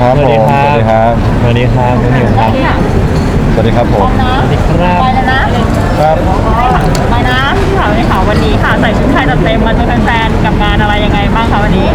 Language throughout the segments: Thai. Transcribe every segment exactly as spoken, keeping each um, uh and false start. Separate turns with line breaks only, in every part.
ครับผม
สวัสดีครับ
สวัสดีครับ
สวัสดีครับน้องนิวครับ
สวัสดีครับผม
สวัสดีครับ
ไปเลยนะครับ ไปนะพี่ถามเลยค่ะวันนี้ค่ะใส่ชุดไทยจัดเต็มมาเจอแฟนๆกับงานอะไรยังไงบ้างคะวันนี้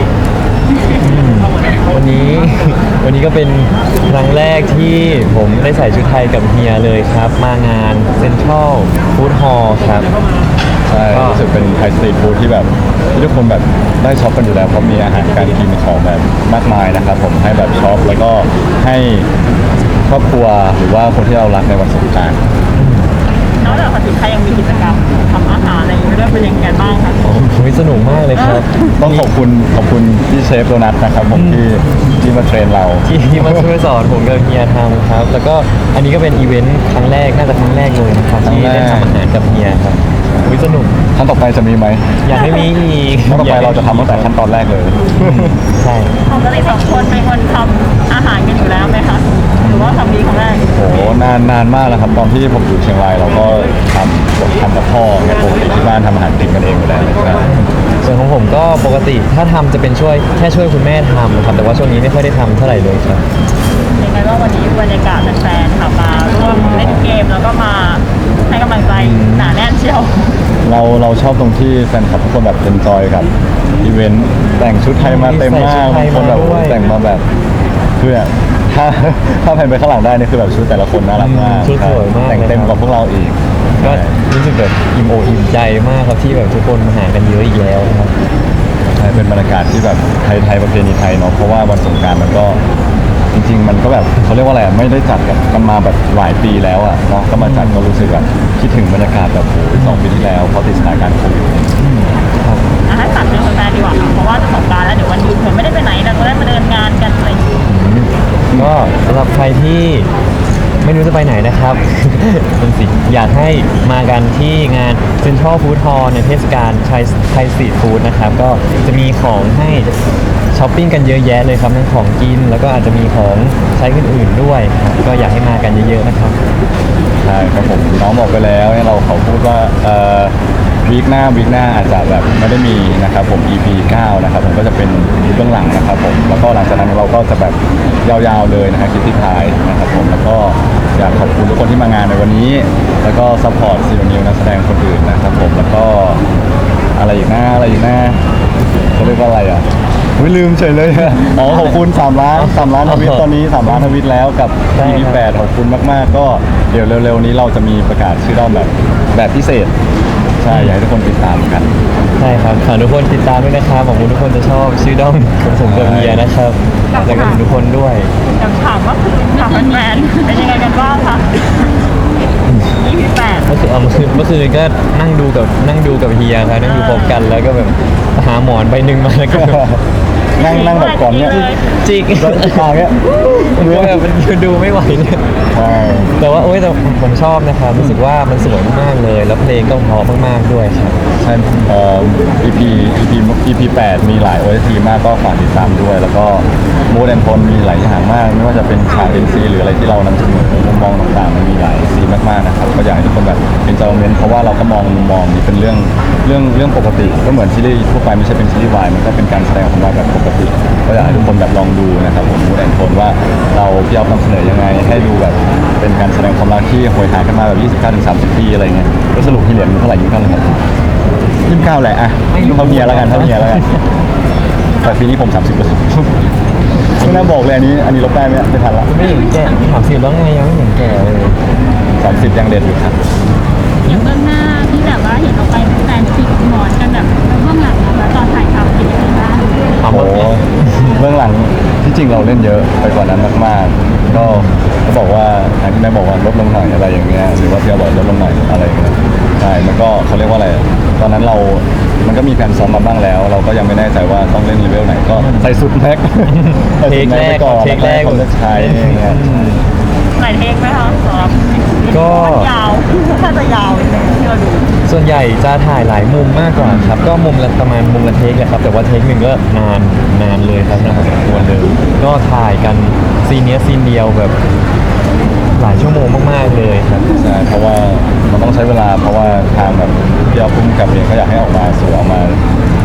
วันนี้ วันนี้ก็เป็นครั้งแรกที่ผมได้ใส่ชุดไทยกับเฮียเลยครับ มางานเซ็นทรัลฟู้ดฮอลล์ครับ
ใช่รู้สึกเป็นไทยสตรีทฟู้ดที่แบบที่ทุกคนแบบได้ช็อปกันอยู่แล้วเพราะมีอาหารการกินของแบบมากมายนะครับผมให้แบบช็อปแล้วก็ให้ครอบครัวหรือว่าคนที่เรารักในวันสงกรานต์
นอกจากชุดไทยยังมีกิจกรรมทำอาหารอะไรอย่างเงี้ยด้วยเป็นยังไงบ้างคะ
โอ้ยสนุกมากเลยครับ
ต้องขอบคุณขอบคุณพี่เชฟโดนัทนะครับผมที่ที่มาเทรนเรา
ที่ที่มาช่วยสอนผมกับเฮียทำครับ แล้วก็อันนี้ก็เป็นอีเวนต์ครั้งแรก น่าจะครั้งแรกเลยนะครับ
ครั้ง
ที่
แรก
ได้ทำอาหารกับเฮียครับอุ้ยสนุก
ครั้งต่อไปจะมีไหม
อยากให้มีอีก
ครั้งต่อไปเราจะทำตั้งแต่ขั้นตอนแรกเลย
ใช่
ปกติสองคนเป็นคนทำอาหารกันอยู่แล้วไหมคะหรือว่าทำดีครั้งแรก
โอ้โหนานนานมากแล้วครับตอนที่ผมอยู่เชียงรายเราก็ทำทำกับพ่อเนี่ยปกติที่บ้านทำอาหารกินกันเองอยู่แล้วใช่
ส่วนของผมก็ปกติถ้าทำจะเป็นช่วยแค่ช่วยคุณแม่ทำครับแต่ว่าช่วงนี้ไม่ค่อยได้ทำเท่าไหร่เลยครับ
ยังไงว่างวันนี้บรรยากาศแฟนๆค่ะมาร่วมเล่นเกมแล้วก็มาให้กำลังใจหนาแน่นเชียว
เราเราชอบตรงที่แฟนคลับทุกคนแบบเอนจอยกับอีเวนต์แต่งชุดไทยมาเต็มมาก
ใส่
บาง
ชุดไทย
คนแบบ
มาด้วย
แต่งมาแบบคือเนี่ยถ้าถ้าแผ่นไปข้างหลังได้นี่คือแบบชุดแต่ละคนน่ารักมาก
ชุดสวยมาก
แต่งเต็มกว่าพวกเราอีก
ก็
ใช่
รู้สึกแบบอิ่มอกอิ่มใจมากครับที่แบบทุกคนมาหากันเยอะอีกแล้วครับ
ใช่เป็นบรรยากาศที่แบบไทยไทยประเพณีไทยเนาะเพราะว่าวันสงกรานต์มันก็จริง ๆ มันก็แบบเขาเรียกว่าอะไรอะไม่ได้จัดกันมาแบบหลายปีแล้วอ่ะเนาะก็มาจัดก็รู้สึกแบบคิดถึงบรรยากาศแบบโอ้โหสองปีที่แล้วเพราะติดสถานการณ์โควิด
ครับ
อ่ะให้ฝากถึงแฟนๆดีกว่าค่ะเพราะว่าจะสงกรานต์แล้วเดี๋ยววันหยุดเหมือนไม่ได้ไปไหนเราก็ได้มาเดินงานกันอะไรอย่างเงี้ย
ก็สำหรับใครที่ไม่รู้จะไปไหนนะครับ เป็นสิอยากให้มากันที่งาน Central Food Hall ในเทศกาลไทยไทยสตรีทฟู้ดนะครับ ก็จะมีของให้ช้อปปิ้งกันเยอะแยะเลยครับทั้งของกิน แล้วก็อาจจะมีของใช้อื่นๆด้วยครับก็อยากให้มากันเยอะๆนะครับ
ใช่ครับผมน้องบอกไปแล้วเนี่ยเราเขาพูดว่าเอ่อวีคหน้าวีคหน้าอาจจะแบบไม่ได้มีนะครับผม อี พี เก้านะครับผมก็จะเป็นเบื้องหลังนะครับผมแล้วก็หลังจากนั้นเราก็จะแบบยาวๆเลยนะครับคลิปที่ท้ายนะครับผมแล้วก็อยากขอบคุณทุกคนที่มางานในวันนี้ แล้วก็ซัพพอร์ตซีนิวนักแสดงคนอื่นนะครับผมแล้วก็อะไรอีกหน้าอะไรอีกหน้าเขาเรียกว่าอะไรอ่ะอุ๊ยลืมเฉยเลยอะอ๋อขอบคุณสามล้านสามล้านทวิตตอนนี้สามล้านทวิตแล้วกับ
ใช่
อี พี
ครับ
แปดขอบคุณมากๆ ก็เดี๋ยวเร็วๆนี้เราจะมีประกาศชื่อด้อมแบบแบบพิเศษ ใช่อยากให้ทุกคนติดตามกัน
ใช่ครับฝากทุกคนติดตามด้วยนะครับหวังว่าทุกคนจะชอบชื่อด้อมของผมกับเมียนะครับแล้วก็ทุกคนด้วย
อยากถามว่าถามแฟนๆเป็นยังไงกันบ้างคะ อี พี แปด
เมื่อคืนเอาเมื่อคืนเมื่อคืนก็นั่งดูกับนั่งดูกับเฮียครับนั่งดูพร้อมกันแล้วก็แบบหาหมอนใบหนึ่งมาแล้วก็แบบ
นั่งนั่งแบบก่อนเนี่ย
จิก
ก็ทางเนี้ย
ผมก็แบบมันดูไม่ไหวเนี่ย
ใช่
แต่ว่าโอ้ยแต่ผมชอบนะครับรู้สึกว่ามันสวยมากๆเลย แล้วเพลงก็เพราะมากๆด้วยครับ
ใช่เอ่อ อี พี อี พี อี พี แปดมีหลาย โอ เอส ที มากก็ฝากติดตามด้วย แล้วก็มูดแอนโทนมีหลายอย่างมาก ไม่ว่าจะเป็นฉาก เอ็น ซี หรืออะไรที่เรานำเสนอมุมมองต่างๆมันมีหลายซีนมากๆนะครับก็อยากให้ทุกคนแบบเป็นจอยเมนเพราะว่าเราก็มองมุมมองนี้เป็นเรื่องเรื่องเรื่องปกติก็เหมือนซีรีส์ทั่วไปไม่ใช่เป็นซีรีส์วายมันก็เป็นการแสดงของเราแบบปกติก็อยากให้ทุกคนแบบลองดูนะครับผมมูดแอนโทนว่าเราพี่เอานำเสนอยังไงให้ดูแบบเป็นการแสดงความรักที่โหยหากันมาแบบ ยี่สิบเก้าถึงสามสิบ ปีอะไรเงี้ยก็สรุปที่เหรียญมันเท่าไหร่ยี่สิบเก้าเลยครับยี่สิบเก้าแหละอ่ะเท่าเมียแล้วกันเท่าเมียแล้วกันแต่ปีนี้ผมสามสิบเปอร์เซ็นต์ไม่น่าบอกเลยอันนี้อันนี้ลบได้ไหมไม่ทันละ
ไม่เห็นแก่ถามสิแล้วไงยังไม่เห็นแก่เลย
สามสิบยังเด็ดอยู่ครับ
อย่างเบื้องหน้าที่แบบว่าเห็นเราไปเป็นแฟนจิกหมอนกันแบบเบื้องหลังแล้วตอนถ่ายทำเป็นยังไงบ้าง
ถาม
โอ้
ว่า
เบื้องหลังที่จริงเราเล่นเยอะไปกว่านั้นมากๆ ก็เขาบอกว่าทางที่แม่บอกว่าลดลงหน่อยอะไรอย่างเงี้ยหรือว่าพี่เอาบอกลดลงหน่อยอะไรอย่างเงี้ยใช่มันก็เขาเรียกว่าอะไรตอนนั้นเรา มันก็มีแผนซ้อมมาบ้างแล้ว เราก็ยังไม่แน่ใจว่าต้องเล่นเลเวลไหนก็ใส่สุดแม็กใส่
เท
สุ
ค
ด
แร
แม็ก
ก
ไปก่อน
เทคแรก
คนจะใช้อย่างเงี้ย
หลายเทคไหมคะสำหรับ
ก็
ยาวถ้าจะยาวนิดนึงที่เราดู
ส่วนใหญ่จะถ่ายหลายมุมมากกว่าครับ ก็มุมละประมาณมุมละเทคแหละครับ แต่ว่าเทคหนึ่งก็นานนานเลยครับนานพอสมควรเลยก็ถ่ายกันซีนเนี้ยซีนเดียวแบบหลายชั่วโมงมากๆเลยครับ
ใช่เพราะว่ามันต้องใช้เวลาเพราะว่าทางแบบพี่เอาพุ่มกับเองเขาอยากให้ออกมาสวยออกมา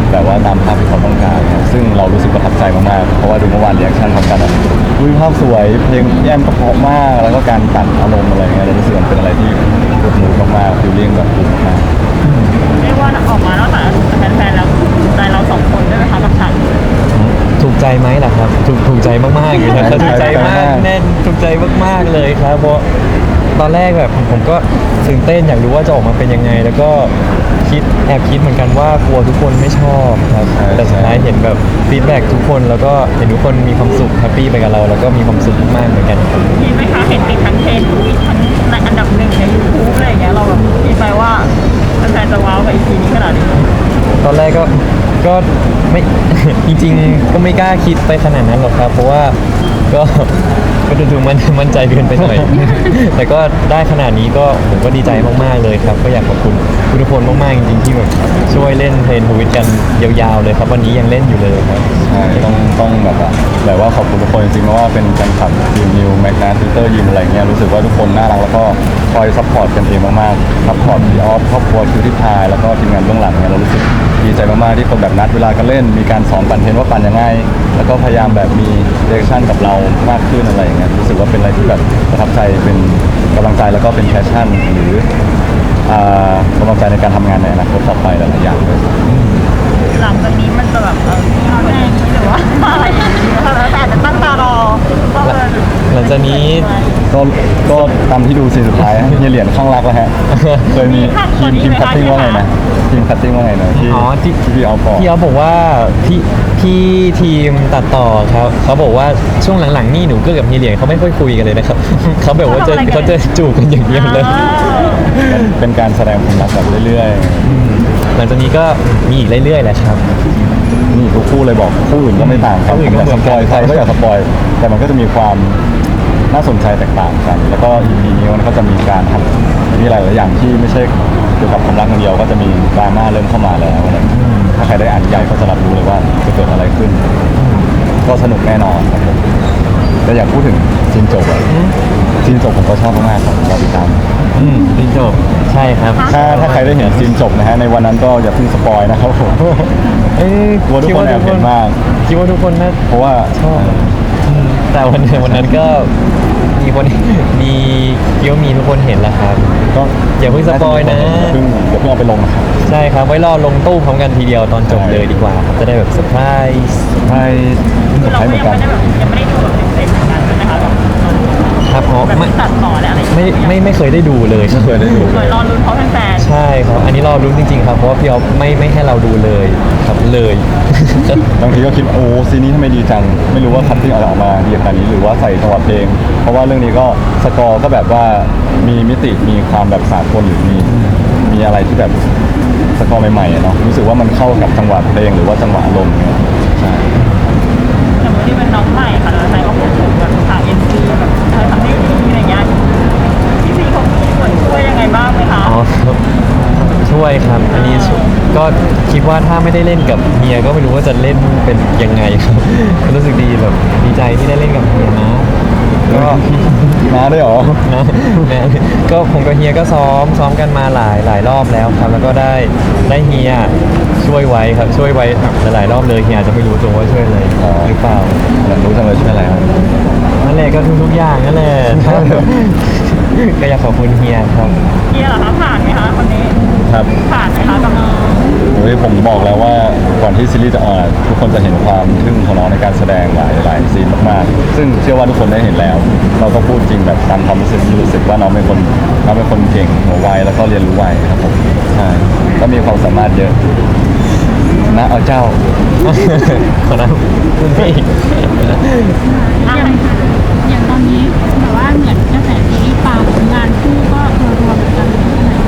แบบว่าตามภาพที่เขาต้องการนะครับซึ่งเรารู้สึกประทับใจมากๆเพราะว่าดูเมื่อวานเรีแอคชั่นพร้อมกันอะอุ้ยภาพสวยเพลงแอมก็เพราะมาก แล้วก็การตัดอารมณ์อะไรเงี้ยเรารู้สึกมันเป็นอะไรที่กดมูดมากๆฟิลลิ่งแบบดีมาก
เรียกว่าออกมานอกจากแฟนๆแล้วถูกใจเราสองคนด้วยไหมคะกับฉากนี้
ถูกใจไหมล่ะครับถูกถูกใจมากๆอยู่นะครับถูกใจมากแน่นถูกใจมากๆเลยครับเพราะตอนแรกแบบผมก็ตื่นเต้นอยากรู้ว่าจะออกมาเป็นยังไง แล้วก็คิดแอบคิดเหมือนกันว่ากลัวทุกคนไม่ชอบครับแต่สุดท้ายเห็นแบบฟีดแบ็กทุกคนแล้วก็เห็นทุกคนมีความสุขแฮปปี้ไปกับเรา แล้วก็มีความสุขมากๆเหมือนกันครับ
มีไหมคะเห็นติดทั้งเทรนด์มีทั้งในอันดับหนึ่งในยูทูบอะไรอย่างเงี้ยเราแบบคิดไปว่าแฟนๆจะว้าวกับอีพีนี้ขนาดนี้
ตอนแรกก็ก็ไม่ จริงๆก็ไม่กล้าคิดไปขนาดนั้นหรอกครับ เพราะว่าก็ก็ดูๆมันมั่นใจเกินไปหน่อย แต่ก็ได้ขนาดนี้ก็ผมก็ดีใจมากๆเลยครับ ก็อยากขอบคุณทุกคนมากๆจริงๆที่แบบช่วยเล่นเทรนทวิตกันยาวๆเลยครับ วันนี้ยังเล่นอยู่เลยครับ
ใช่ต้องต้องแบบว่าแบบว่าขอบคุณทุกคนจริงๆเพราะว่าเป็นแฟนคลับทีมนิวแมกนาทวิตเตอร์ยิมอะไรเงี้ยรู้สึกว่าทุกคนน่ารักแล้วก็คอยซัพพอร์ตกันเองมากๆซัพพอร์ตพี่ออฟครอบครัวคิวที่พายแล้วก็ทีมงานเบื้องหลังเนี่ยเรารู้สึกดีใจมากๆที่คนแบบนัดเวลากันเล่นมีการสอนปั่นเทรนว่าปั่นยังไง แล้วก็พยายามแบบมีเดเรคชั่นกับเรามากขึ้นอะไรอย่างเงี้ยรู้สึกว่าเป็นอะไรที่แบบประทับใจเป็นกำลังใจแล้วก็เป็นแพชชั่นหรืออ่ากำลังใจในการทำงานในอนาคตต่อไปหลายๆอย่างเลย
หลังจากนี้มันจะแบบเออแรงหรือว่าอะไรอย่างเงี้ยแล้วแต่อาจจะตั้งตารอว่าเออ
หลังจากนี้
ก็ก็ตามที่ดูซีนสุดท้ายฮะเฮียเหรียญข้างรักแล้วฮะ เคยมีทีมทีมคัตติ้งว่าไงนะทีมคัตติ้งว่าไงนะที่
อ๋อที่
ที่พี่เอาบอก
พี่เขาบอกว่าพี่พี่ทีมตัดต่อครับเขาบอกว่าช่วงหลังๆนี่หนูก็กับเฮียเหลียงเขาไม่ค่อยคุยกันเลยนะครับ เขาแบบว่าจะเขาจะจูบกันอย่างเดียวเลย
เป็นการแสดงความรักแบบเรื่อย
หลังจากนี้ก็มีอีกเรื่อยๆแหละครับ
ๆนี่ทุกคู่เลยบอกคู่อื่นก็ไม่ต่างกัน
คู่
ผ
อื่
ม
น
อ
ก็
ยาก
เหมื
ส
อนกัน
ปอยใครก็อยากสปอยแต่มันก็จะมีความน่าสนใจแตกต่างกัน แล้วก็ อี พี นี้มันก็จะมีการทำมีหลายๆอย่างที่ไม่ใช่เกี่ยวกับความรักอย่างเดียวก็จะมีดราม่าเริ่มเข้ามาแล้วอะไรอย่างเงี้ยถ้าใครได้อ่านนิยายก็จะรับรู้เลยว่าจะเกิดอะไรขึ้น ก็สนุกแน่นอนครับผมแต่อยากพูดถึงซีนจบอะซีนจบผมก็ชอบมากๆครับรอติดตาม
อืมพี่จบใช่ครับ
ถ้าถ้าใครได้เห็นซีนจบนะฮะในวันนั้นก็อย่าเพิ่งสปอยนะครับผม
เอ้ย
กลัวทุกคนแอบเห็นมาก
คิดว่าทุกคนน่า
เพราะว่า
ชอบอืมแต่วันวันนั้นก็มีคนมีคิดว่ามีทุกคนเห็นแล้วครับ
ก็
อย่าเพิ่งสปอยนะ
อย่าเพิ่งอย่าเพิ่งเอาไปลงนะครับ
ใช่ครับ ไว้รอลงตู้พร้อมกันทีเดียวตอนจบเลยดีกว่าครับจะได้แบบเซอร์ไพรส์
ใช่
คือ
ใช่
เรา
เห
ก็
มือน
ยัง
กัน
ไม่ได้แบบยังไม่ได้ดูแบบเต็มๆเหมือนกันใช่ไหมคะแบบ
ครับเพราะ
แบบ
ไม่
ตัดต่อและอะไรอย่าง
ไม่
เงี้ย
ไม่ไม่เคยได้ดูเลยครับ
ไม่เคยได้ดู
เคยรอลุ้นเพราะแฟน
ใช่ครับ อันนี้รอรุ้นจริงๆครับ เพราะว่าพี่ออฟไม่ไม่ให้เราดูเลยครับเลย
บางทีก็คิดว่าโอ้ซีนนี้ทำไมดีจัง ไม่รู้ว่าคัตติ้งอะไรออกมาดีขนาดนี้หรือว่าใส่จังหวะเพลง เพราะว่าเรื่องนี้ก็สกอร์ก็แบบว่ามีมิติมีความแบบสากลหรือมีมีอะไรที่แบบสกอร์ใหม่ๆอะเนาะรู้สึกว่ามันเข้ากับจังหวะเพลงหรือว่าจังหวะอารมณ์เนี่ยใช่
ๆอย่างวันที่เป็นน้องใหม่ค่ะแล้วใครก็พูดถึงแบบฉากเอ็นซีแบบเธอทำได้ดีอะไรเงี้ยพี่ซีเขามีส่วนช่วยยังไงบ้างไหมคะ
อ๋อครับช่วยครับ อันนี้ช่วยก็คิดว่าถ้าไม่ได้เล่นกับเฮียก็ไม่รู้ว่าจะเล่นเป็นยังไงครับ รู้สึกดีแบบดีใจที่ได้เล่นกับเฮียนะ ก็
มาได้วยเหรอ
นะนะก็ผมกับเฮียก็ซ้อมซ้อมกันมาหลายหลายรอบแล้วครับ แล้วก็ได้ได้เฮียช่วยไว้ครับช่วยไว้หลายๆรอบเลยเฮียอาจจะไม่รู้ตัวว่าช่วยเลย
อ๋อ
หรือเปล่า
อยากรู้จังเลยช่วยอะไรครับ
นั่นแหละก็ทุกๆอย่างนั่นแหละ ก็อยากขอบคุณเฮียครับ
เฮียเหรอคะผ่านไหมคะคนนี้
ครับ
ผ่านไหมคะกับน้อง
โอ้ยผมบอกแล้วว่าก่อนที่ซีรีส์จะออนอะทุกคนจะเห็นความทึ่งของน้องในการแสดงหลายหลายซีนมากๆ ซึ่งเชื่อว่าทุกคนได้เห็นแล้ว เราก็พูดจริงแบบตามความรู้สึกที่รู้สึกว่าน้องเป็นคนน้องเป็นคนเก่งหัวไวแล้วก็เรียนรู้ไวครับผมใช่ก็มีความสามารถเยอะนะเอาเจ้า
ขอนะคุณพี่
อย่างอย่างตอนนี้แบบว่าเหมือนกระแสซีรีส์ปังงานคู่ก็รวมๆเหมือนกันเลยใช่ไหม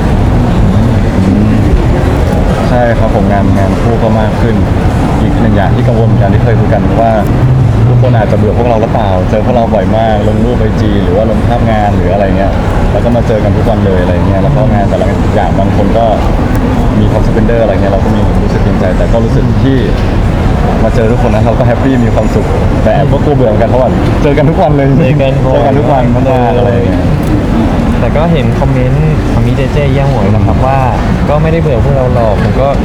ใช่ครับผมงานงานคู่ก็มากขึ้น อีกหนึ่งอย่างที่กังวลเหมือนกันที่เคยคุยกันว่าทุกคนอาจจะเบื่อพวกเราหรือเปล่า เจอพวกเราบ่อยมากลงรูปไอจีหรือว่าลงภาพงานหรืออะไรเงี้ยแล้วก็มาเจอกันทุกวันเลยอะไรเงี้ยแล้วก็งานแต่ละอย่างบางคนก็มีคอมสเปนเดอร์อะไรเงี้ยเราก็มีรู้สึกเกรงใจ แต่ก็รู้สึกที่มาเจอทุกคนนะเราก็แฮปปี้มีความสุขแต่แอบก็กลัวเบื่อเหมือนกันเพราะว่าเจอกันทุกวันเลย
เจอกัน
เจอกันทุกวันมากๆอะไรเงี้ย
แต่ก็เห็นคอมเมนต์ของมีเจเจเยี่ยมหวยนะครับว่าก็ไม่ได้เบื่อพวกเราหรอกผมก็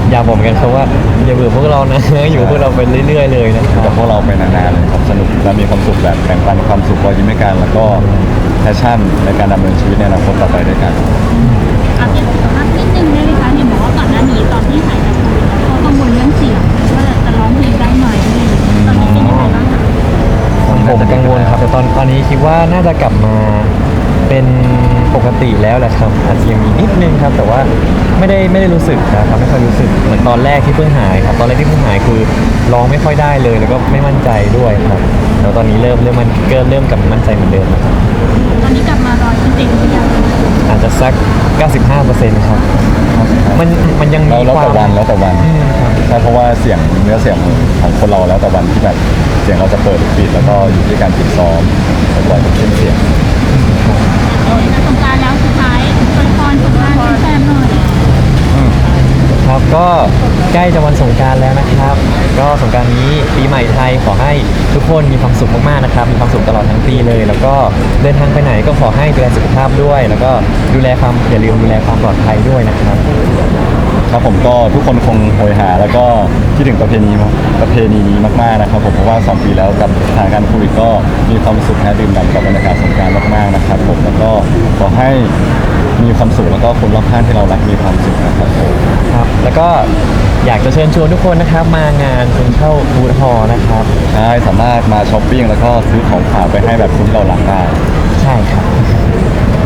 อยากบอกเหมือนกันครับว่าอย่าเบื่อพวกเรานะ อยู่กับพวกเราไปเรื่อยๆเลยนะค
อยู่
รั
กับบ พวกเราไปนานๆเลยครับสนุกและมีความสุขแบบแบ่งปันความสุขรอยยิ้มให้กันแล้วก็แพชชั่นในการดำเนินชีวิตในอนาคตต่อไปด้วยกัน
อัปเดตสุขภาพนิดนึงได้ไหมคะเห็นบอกว่าก่อนหน้านี้ตอนที่หายจากโควิดเขากังวลเรื่องเสียงว่าจะร้องเพลงได้ไหมตอนนี้เป็นยังไงบ้างคะ
ผมกังวลครับแต่ตอนตอนนี้คิดว่าน่าจะกลับมาเป็นปกติแล้วแหละครับอาจจะยังมีนิดนึงครับ แต่ว่าไม่ได้ไม่ได้รู้สึกนะครับไม่ค่อยรู้สึกเหมือนตอนแรกที่เพิ่งหายครับตอนแรกที่เพิ่งหายคือร้องไม่ค่อยได้เลย แล้วก็ไม่มั่นใจด้วยครับแล้วตอนนี้เริ่มเริ่มมันเริ่มเริ่มกลับมามั่นใจเหมือนเดิมแล้วครับ
ตอนนี้กลับมาร้อยเปอร์เซ็นต์หรือยัง
อาจจะสัก เก้าสิบห้าเปอร์เซ็นต์ ครับมันมันยัง
แล้
มี
วแล้ว
ควา
แต่
ม
วันแล้วแต่วัน
อืมครับ
ใช่เพราะว่าเสียงเนื้อเสียงของคนเราแล้วแต่วันที่แบบเสียงเราจะเปิดหรือปิดแล้วก็อยู่ที่การฝึกซ้อมบ่อยๆเช่นเสียง
จะสงกรานต์แล้วสุดท้ายอวยพรสงกรานต์ให้แฟนหน่อย
ครับก็ใกล้จะวันสงกรารแล้วนะครับ ก็สงกรารนี้ปีใหม่ไทยขอให้ทุกคนมีความสุขมากๆนะครับ มีความสุขตลอดทั้งปีเลย แล้วก็เดินทางไปไหนก็ขอให้ดูแลสุขภาพด้วย แล้วก็ดูแลความอย่าลืมดูแลความปลอดภัยด้วยนะครับ
ครับผมก็ทุกคนคงโหยหา แล้วก็คิดถึงประเพณีประเพณีนี้มากๆนะครับผมเพราะว่าสองปีแล้วกับสถานการณ์โควิดก็มีความสุขแฮดื่มด่ำกับบรรยากาศสงกรานต์มากๆนะครับผมแล้วก็ขอให้มีความสุขแล้วก็คนรอบข้างที่เรารักมีความสุขนะครับผม
ครับ แล้วก็อยากจะเชิญชวนทุกคนนะครับ มางานเซ็นทรัลฟู้ดฮอลล์นะครับ
ใช่สามารถมาช้อปปิ้งแล้วก็ซื้อของฝากไปให้แบบคนที่เรารักได้
ใช่ครับ